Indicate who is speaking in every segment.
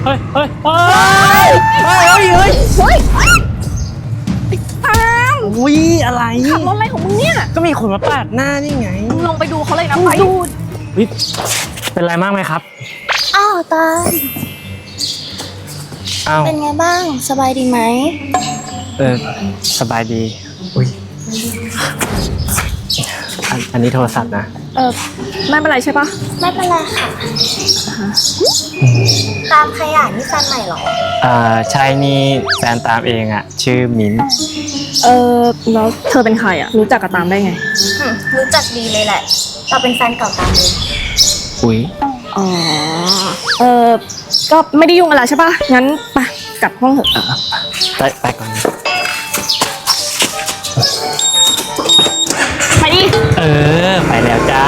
Speaker 1: ฮ้ยเฮ้ยเฮ้ย
Speaker 2: ตาม
Speaker 1: อุ้ยอะไร
Speaker 2: ขับรถอะไรของมึงเนี่ย
Speaker 1: ก็มีคนมาปาดหน้านี่ไง
Speaker 2: มึงลงไปดูเขาเลยนะไปดู
Speaker 1: เป็นไรมากไหมครับ
Speaker 3: อ้าวตาล
Speaker 1: อ้าว
Speaker 3: เป็นไงบ้างสบายดีไหม
Speaker 1: สบายดีอุ้ยอันนี้โทรศัพท์นะ
Speaker 2: ไม่เป็นไรใช่ปะ
Speaker 3: ไม่เป็นไรค่ะตามขยะนี่แฟนใหม่เหรอ
Speaker 1: ใช่นี่แฟนตามเองอ่ะชื่อมิ้น
Speaker 2: แล้วเธอเป็นใครอ่ะรู้จักกับตามได้ไง
Speaker 3: รู้จักดีเลยแหละเราเป็นแฟนเก่าตามเลย
Speaker 1: อุ้ย
Speaker 2: อ๋อก็ไม่ได้ยุ่งอะไรใช่ปะงั้นไปกลับห้องเถอะ
Speaker 1: ไปก่อน
Speaker 2: ไปดิ
Speaker 1: ไปแล้วจ้า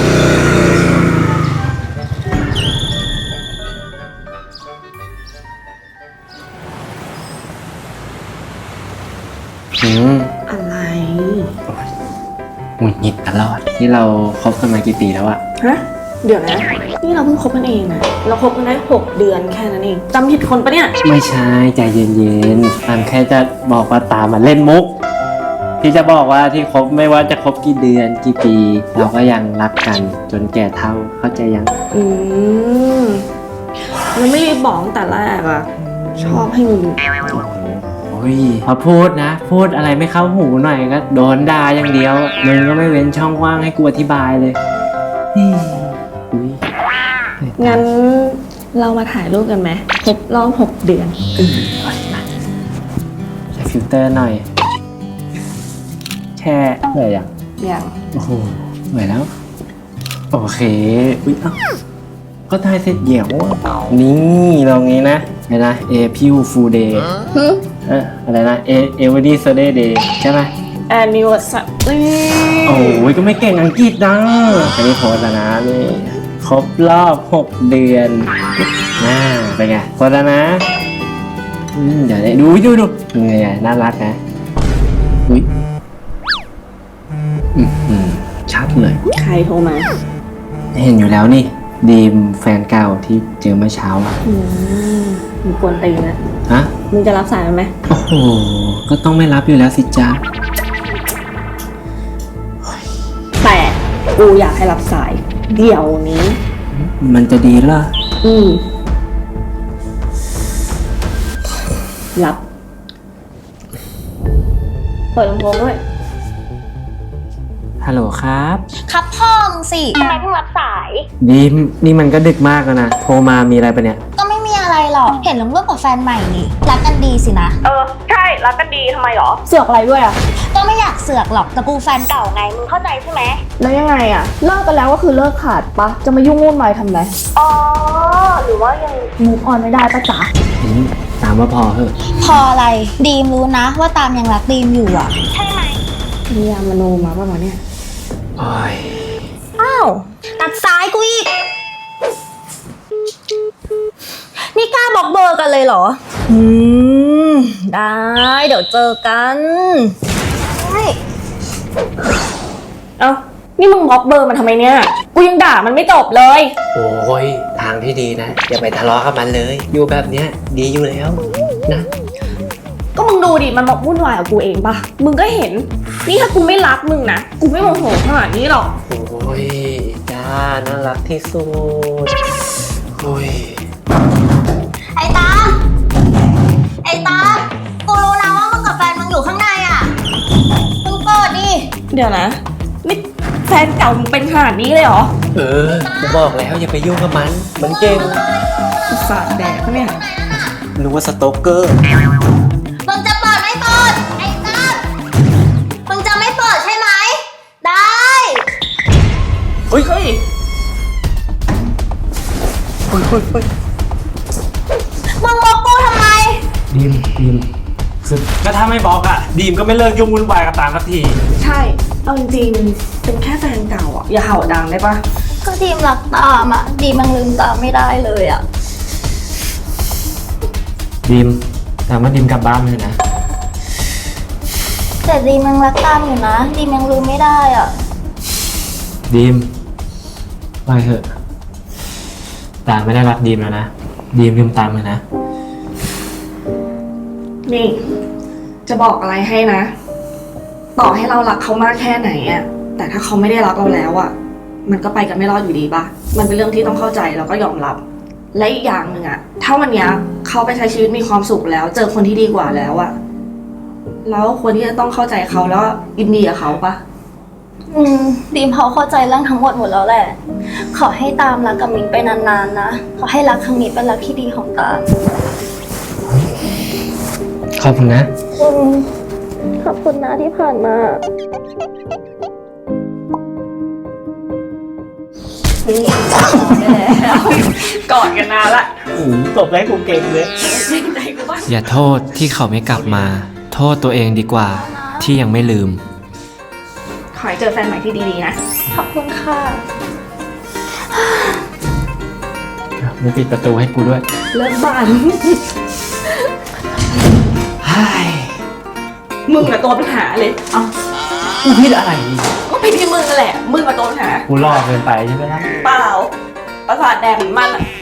Speaker 2: อะไร
Speaker 1: หงุดหงิดตลอดที่เราคบกันมากี่ปีแล้วอะ
Speaker 2: ฮะเดี๋ยวนะนี่เราเพิ่งคบกันเองนะเราคบกันได้6 เดือนแค่นั้นเองจำผิดคนปะเนี่ย
Speaker 1: ไม่ใช่ใจเย็นๆตามแค่จะบอกว่าตามมาเล่นมุกที่จะบอกว่าที่คบไม่ว่าจะคบกี่เดือนกี่ปีเราก็ยังรักกันจนแก่เฒ่าเข้าใจยัง
Speaker 2: มันไม่ได้บอกตั้งแต่แรกอะชอบให้มึง
Speaker 1: โอ้ยพอพูดนะพูดอะไรไม่เข้าหูหน่อยก็โดนด่าอย่างเดียวมึงก็ไม่เว้นช่องว่างให้กูอธิบายเลย
Speaker 2: งั้นเรามาถ่ายรูปกันไหมครบรอบ6 เดือน
Speaker 1: ใช้ฟิลเตอร์หน่อยแช่เหนื่อย
Speaker 2: ยัง
Speaker 1: โอ้โหเหนื่อยแล้วโอเคอุ๊ยก็ถ่ายเสร็จเหี่ยวนี่ลองนี้นะอะไรนะพิวฟูเดย์อะไรนะเอเวอร์ดี้เซเดย์เดย์ใช่ไหม
Speaker 2: anniversary
Speaker 1: โอ้ยก็ไม่เก่งอังกฤษนะอันนี้โพสแล้วนะนี่ครบรอบ6 เดือนเป็นไงโพสแล้วนะเดี๋ยวดูไงน่ารักนะอุ้ยชัดเลย
Speaker 2: ใครโทรมา
Speaker 1: เห็นอยู่แล้วนี่ดีมแฟนเก่าที่เจอเมื่อเช้าอ่ะ
Speaker 2: มึงกวนตีนนะ
Speaker 1: ฮะ
Speaker 2: มึงจะรับสายมันไหม
Speaker 1: โอ้โหก็ต้องไม่รับอยู่แล้วสิจ๊ะ
Speaker 2: แต่กูอยากให้รับสายเดี๋ยวนี้
Speaker 1: มันจะดีเหรอ
Speaker 2: รับเปิดลำโพงด้วย
Speaker 1: ฮัลโหลครับ
Speaker 3: ครับพ่อมึงสิทำไมเพิ่งรับสาย
Speaker 1: ดีมนี่มันก็ดึกมากแล้วนะโทรมามีอะไรปะเนี่ย
Speaker 3: ก็ไม่มีอะไรหรอกเห็นลงรูปกับแฟนใหม่นี่รักกันดีสินะ
Speaker 2: ใช่รักกันดีทำไมหรอเสือกอะไรด้วยอ่ะ
Speaker 3: ก็ไม่อยากเสือกหรอกแต่กูแฟนเก่าไงมึงเข้าใจใช่ไหม
Speaker 2: แล้วยังไงอ่ะเลิกกันแล้วก็คือเลิกขาดปะจะมายุ่งวุ่นวายทำไรหรือว่ายังมูฟออนไม่ได้ปะจ๊ะ
Speaker 1: ตามว่าพอเหอะ
Speaker 3: พออะไรดีมรู้นะว่าตามยังรักดีมอยู่อ่ะใช่ไหม
Speaker 2: มียามโนมาป่ะวะเนี่ย
Speaker 3: อ้าวตัดซ้ายกูอีกนี่กล้าบล็อกเบอร์กันเลยเหรอได้เดี๋ยวเจอกัน
Speaker 2: เอ้านี่มึงบล็อกเบอร์มันทำไมเนี่ยกูยังด่ามันไม่จบเลย
Speaker 1: โอ้ยทางที่ดีนะอย่าไปทะเลาะกับมันเลยอยู่แบบเนี้ยดีอยู่แล้วนะ
Speaker 2: ก็มึงดูดิมันบอกวุ่นวายกับกูเองปะมึงก็เห็นนี่ถ้ากูไม่รักมึงนะกูไม่โมโหขนาดนี้หรอก
Speaker 1: โอ้ยจ้าน่ารักที่สุดโอ้ย
Speaker 3: ไอ้ตากูรู้นะว่ามึงกับแฟนมึงอยู่ข้างในอ่ะมึงเปิดดิ
Speaker 2: เดี๋ยวนะนี่แฟนเก่ามึงเป็นขนาดนี้เลยเหรอ
Speaker 1: กูบอกแล้วอย่าไปยุ่งกับมันเก่ง
Speaker 2: สาดแดกเนี่ย
Speaker 1: รู้ว่าสโตเกอร์
Speaker 3: มึงจะเปิดไม่เปิดไอ้ตามึงจะไม่เปิดใช่ไหมได้
Speaker 1: เฮ้ย
Speaker 3: มึงบล็อกกูทำไม
Speaker 1: ดีมก็ถ้าไม่บล็อกอะดีมก็ไม่เลิกยุ่งวุ่นวายกับตามสักที
Speaker 2: ใช่เอาจริงๆเป็นแค่แฟนเก่าอะอย่าเห่าดังได้ปะ
Speaker 3: ก็ดีมรักตามอะดีมมันลืมตามไม่ได้เลยอะ
Speaker 1: ดีมแต่ว่าดีมกลับบ้านเลยนะ
Speaker 3: แต่ดีมยังรักตามอยู่นะดีมยังลืมไม่ได้อ่ะ
Speaker 1: ดีมไปเถอะตามไม่ได้รักดีมแล้วนะดีมลืมตามมานะ
Speaker 2: นี่ จะบอกอะไรให้นะ ต่อให้เรารักเขามากแค่ไหนอะแต่ถ้าเขาไม่ได้รักเราแล้วอะมันก็ไปกันไม่รอดอยู่ดีปะมันเป็นเรื่องที่ต้องเข้าใจแล้วก็ยอมรับ และอีกอย่างหนึ่งอะถ้าวันเนี้ยเขาไปใช้ชีวิตมีความสุขแล้ว เจอคนที่ดีกว่าแล้วอะแล้วควรที่จะต้องเข้าใจเขาแล้วยินดีกับเขาปะ
Speaker 3: ดีมเขาเข้าใจเรื่องทั้งหมดแล้วแหละ ขอให้ตามรักกับมินไปนานๆนะ ขอให้รักครั้งนี้เป็นรักที่ดีของตาม
Speaker 1: ขอบคุณนะ
Speaker 3: ขอบคุณนะที่ผ่านมา
Speaker 2: กอดกันนานละ
Speaker 1: ตบได้กูเก่งเลย
Speaker 2: ใจกูบ้าง
Speaker 4: อย่าโทษที่เขาไม่กลับมา โทษตัวเองดีกว่าที่ยังไม่ลืม
Speaker 2: ขอให้เจอแฟนใหม่ที่ดีๆนะ
Speaker 3: ขอบคุณค่ะ
Speaker 1: มึงปิดประตูให้กูด้วย
Speaker 2: เลิกบ้าน
Speaker 1: ไฮ้
Speaker 2: มึงอะตัวปัญหาเลย เอ้า
Speaker 1: กูผิดอะไร
Speaker 2: ก็เป็นที่มึงนั่นแหละ มึงอะตัวปัญหา
Speaker 1: กูรอเกินไปใช่ไหมล่ะ
Speaker 2: เปล่า ประสาทแดงเหมือนมันอะ